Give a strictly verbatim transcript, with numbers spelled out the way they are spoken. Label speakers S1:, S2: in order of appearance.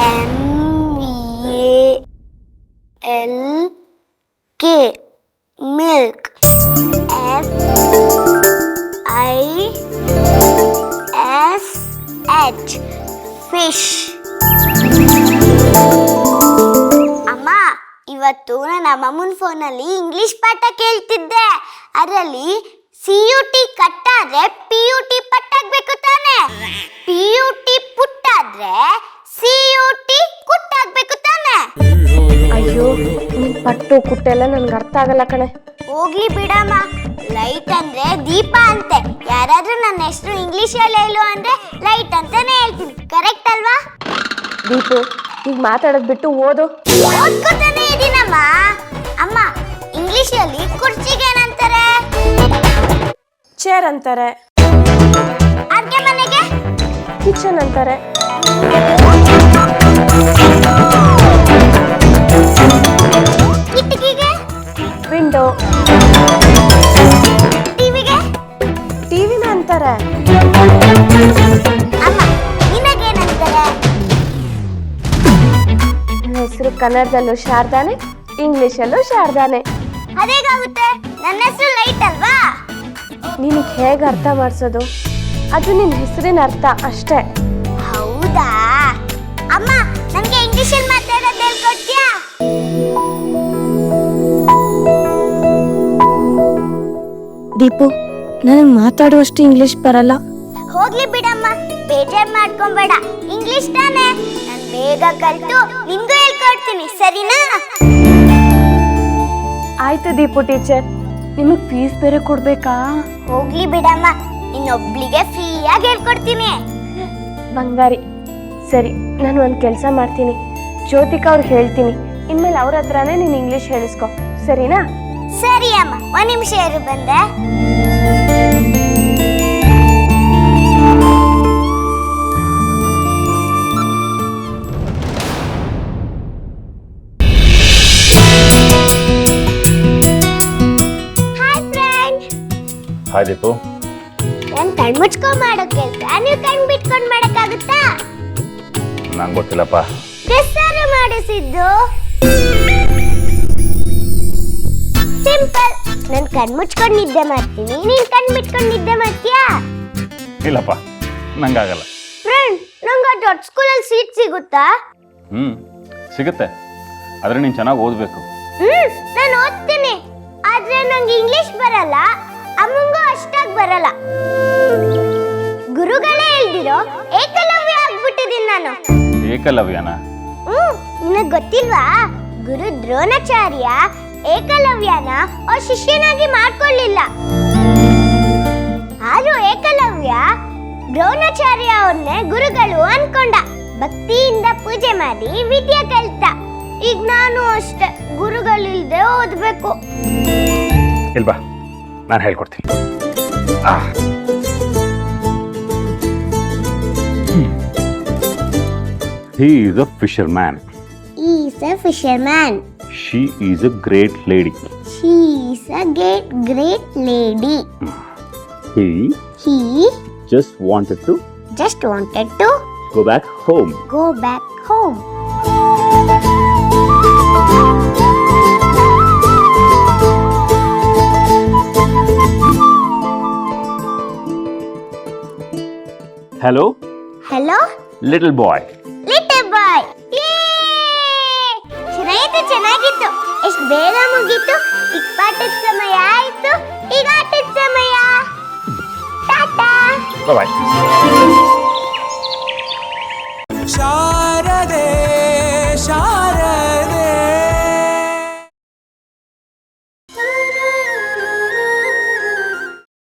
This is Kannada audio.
S1: M A L K milk. F I S H fish. ಅಮ್ಮ, ಇವತ್ತು ನನ್ನ ಅಮ್ಮನ ಫೋನಲ್ಲಿ ಇಂಗ್ಲಿಷ್ ಪಾಠ ಕೇಳ್ತಿದ್ದೆ. ಅದರಲ್ಲಿ ಸಿ ಯು ಟಿ ಕಟ್ಟಾದ್ರೆ ಪಿ ಯು ಟಿ ಪಟ್ಟಾಗ್ಬೇಕು ತಾನೆ, ಪಿ ಯು ಟಿ ಪುಟ್ಟಾದ್ರೆ ಸಿ ಯು ಟಿ ಕುಟ್ಟಾಗ್ಬೇಕು ತಾನೆ.
S2: ಅಯ್ಯೋ, ನಿನ್ ಪಟ್ಟು ಕುಟ್ಟೆಲ್ಲ ನನ್ಗೆ ಅರ್ಥ ಆಗಲ್ಲ ಕಣೆ.
S1: ಹೋಗ್ಲಿ ಬಿಡಮ್ಮ, ಲೈಟ್ ಅಂದ್ರೆ ದೀಪ ಅಂತೆ. ಯಾರಾದ್ರೂ ನನ್ನ ಹೆಸರು ಇಂಗ್ಲಿಷ್ ಅಲ್ಲಿ ಹೇಳು ಅಂದ್ರೆ ಲೈಟ್ ಅಂತಾನೆ ಹೇಳ್ತೀನಿ. ಕರೆಕ್ಟ್ ಅಲ್ವಾ?
S2: ದೀಪು, ಈಗ ಮಾತಾಡೋದ್ ಬಿಟ್ಟು ಓದು.
S1: ಓದ್ಕೊತಾನೆ ಇದೀನಮ್ಮ. ಅಮ್ಮ, ಇಂಗ್ಲಿಷ್ ಅಲ್ಲಿ ಕುರ್ಚಿಗೆ ಏನಂತಾರೆ?
S2: ಚೇರ್ ಅಂತಾರೆ.
S1: ಅಡ್ಗೆ ಮನೆಗೆ?
S2: ಕಿಚನ್ ಅಂತಾರೆ.
S1: ಕಿಟಕಿಗೆ?
S2: ವಿಂಡೋ.
S1: ಟಿವಿಗೆ?
S2: ಟಿವಿನ ಅಂತಾರೆ.
S1: ಅಮ್ಮ, ನಿನಗೇನಂತಾರೆ?
S2: ನನ್ನ ಹೆಸರು ಕನ್ನಡದಲ್ಲೂ ಶಾರದಾನೆ, ಇಂಗ್ಲಿಷಲ್ಲೂ ಶಾರದಾನೆ.
S1: ಅದೇಗಾಗುತ್ತೆ? ನನ್ನ ಹೆಸರು ಲೈಟ್ ಅಲ್ವಾ?
S2: ನಿನಗೆ ಹೇಗೆ ಅರ್ಥ ಮಾಡಿಸೋದು? ಅದು ನಿನ್ನ ಹೆಸರಿನ ಅರ್ಥ ಅಷ್ಟೇ.
S1: ಹೌದಾ? ಅಮ್ಮ, ನನಗೆ ಇಂಗ್ಲಿಷಲ್ಲಿ ಮಾತಾಡೋದು ಹೇಳ್ಕೊಡ್ತೀಯಾ?
S2: ದೀಪು, ನನಗೆ ಮಾತಾಡುವಷ್ಟು ಇಂಗ್ಲಿಷ್ ಬರಲ್ಲ.
S1: ಹೋಗ್ಲಿ ಬಿಡಮ್ಮ, ಬೇಜಾರು ಮಾಡ್ಕೊಂಬೇಡ. ಇಂಗ್ಲಿಷ್ ತಾನೆ, ನಾನು ಬೇಗ ಕಲ್ತು ನಿಂಗೂ ಹೇಳ್ಕೊಡ್ತೀನಿ, ಸರಿನಾ?
S2: ಆಯ್ತು ದೀಪು ಟೀಚರ್, ನಿಮಗೆ ಫೀಸ್ ಬೇರೆ ಕೊಡ್ಬೇಕಾ?
S1: ಹೋಗ್ಲಿ ಬಿಡಮ್ಮ, ಇನ್ನೊಬ್ಳಿಗೆ ಫ್ರೀಯಾಗಿ ಹೇಳ್ಕೊಡ್ತೀನಿ.
S2: ಬಂಗಾರಿ. ಸರಿ, ನಾನು ಒಂದು ಕೆಲಸ ಮಾಡ್ತೀನಿ, ಜ್ಯೋತಿಕಾ ಅವ್ರಿಗೆ ಹೇಳ್ತೀನಿ. ಇನ್ಮೇಲೆ ಅವ್ರ ಹತ್ರನೇ ನೀನು ಇಂಗ್ಲಿಷ್ ಹೇಳಿಸ್ಕೊ, ಸರಿನಾ?
S1: ಸರಿ ಅಮ್ಮ, ಒಂದು ನಿಮಿಷ ಇರು, ಬಂದೆ.
S3: ಹಾಯ್ ದೀಪು.
S1: ನಾನು ಕಣ್ ಮುಚ್ಕೊಂಡ್ ಮಾಡೋ ಕೆಲಸ ನೀವು ಕಣ್ ಬಿಟ್ಕೊಂಡ್ ಮಾಡಕ್ಕಾಗುತ್ತಾ?
S3: ನಂಗೆ ಗೊತ್ತಿಲ್ಲಪ್ಪ.
S1: ಗೆಸ್ಸಾರು ಮಾಡಿಸಿದ್ದು ಸಿಂಪಲ್. ನಾನು ಕಣ್ ಮುಚ್ಕೊಂಡು ನಿದ್ದೆ ಮಾಡ್ತೀನಿ, ನೀನ್ ಕಣ್ ಬಿಟ್ಕೊಂಡು ನಿದ್ದೆ ಮಾಡ್ತೀಯಾ?
S3: ಇಲ್ಲಪ್ಪ, ನಂಗಾಗಲ್ಲ.
S1: ಫ್ರೆಂಡ್, ನಂಗೆ ದೊಡ್ಡ ಸ್ಕೂಲಲ್ಲಿ ಸೀಟ್ ಸಿಗುತ್ತಾ?
S3: ಹ್ಞೂ ಸಿಗುತ್ತೆ, ಆದರೆ ನೀನು ಚೆನ್ನಾಗಿ ಓದಬೇಕು.
S1: ಹ್ಮ್ ನಾನು ಓದ್ತೀನಿ, ಆದ್ರೆ ನಂಗೆ ಇಂಗ್ಲಿಷ್ ಬರಲ್ಲ, ಅಮ್ಮಂಗೂ ಅಷ್ಟಾಗಿ ಬರಲ್ಲ. ಗುರುಗಳೇ ಹೇಳ್ದಿರೋ ಏಕಲವ್ಯ ಆಗ್ಬಿಟ್ಟಿದ್ದೀನಿ ನಾನು.
S3: ಏಕಲವ್ಯನ?
S1: ಹ್ಮ್ ನಿನಗೆ ಗೊತ್ತಿಲ್ವಾ? ಗುರು ದ್ರೋಣಾಚಾರ್ಯ ಏಕಲವ್ಯನ ಅವ್ರ ಶಿಷ್ಯನಾಗಿ ಮಾಡ್ಕೊಳ್ಳಿಲ್ಲ. ಆದ್ರೂ ಏಕಲವ್ಯ ದ್ರೋಣಾಚಾರ್ಯ ಅವ್ರನ್ನೇ ಗುರುಗಳು ಅನ್ಕೊಂಡ. ಭಕ್ತಿಯಿಂದ ಪೂಜೆ ಮಾಡಿ ವಿದ್ಯೆ ಕಲಿತ. ಈಗ ನಾನು ಅಷ್ಟೇ, ಗುರುಗಳಿಲ್ದೆ ಓದ್ಬೇಕು.
S3: ಇಲ್ವಾ, ನಾನು ಹೇಳ್ಕೊಡ್ತೀನಿ. He is a fisherman.
S1: He is a fisherman.
S3: She is a great lady.
S1: She is a great, great lady.
S3: He
S1: He
S3: just wanted to
S1: just wanted to
S3: go back home.
S1: go back home.
S3: Hello,
S1: Hello,
S3: little boy.
S1: little boy. ಚೆನ್ನಾಗಿತ್ತು ಚೆನ್ನಾಗಿತ್ತು. ಎಷ್ಟು ಬೇಗ ಮುಗೀತು. ಈಗ ಪಾಠದ ಸಮಯ ಆಯ್ತು, ಈಗ ಆಟದ ಸಮಯ. ಟಾಟಾ.
S3: Bye bye.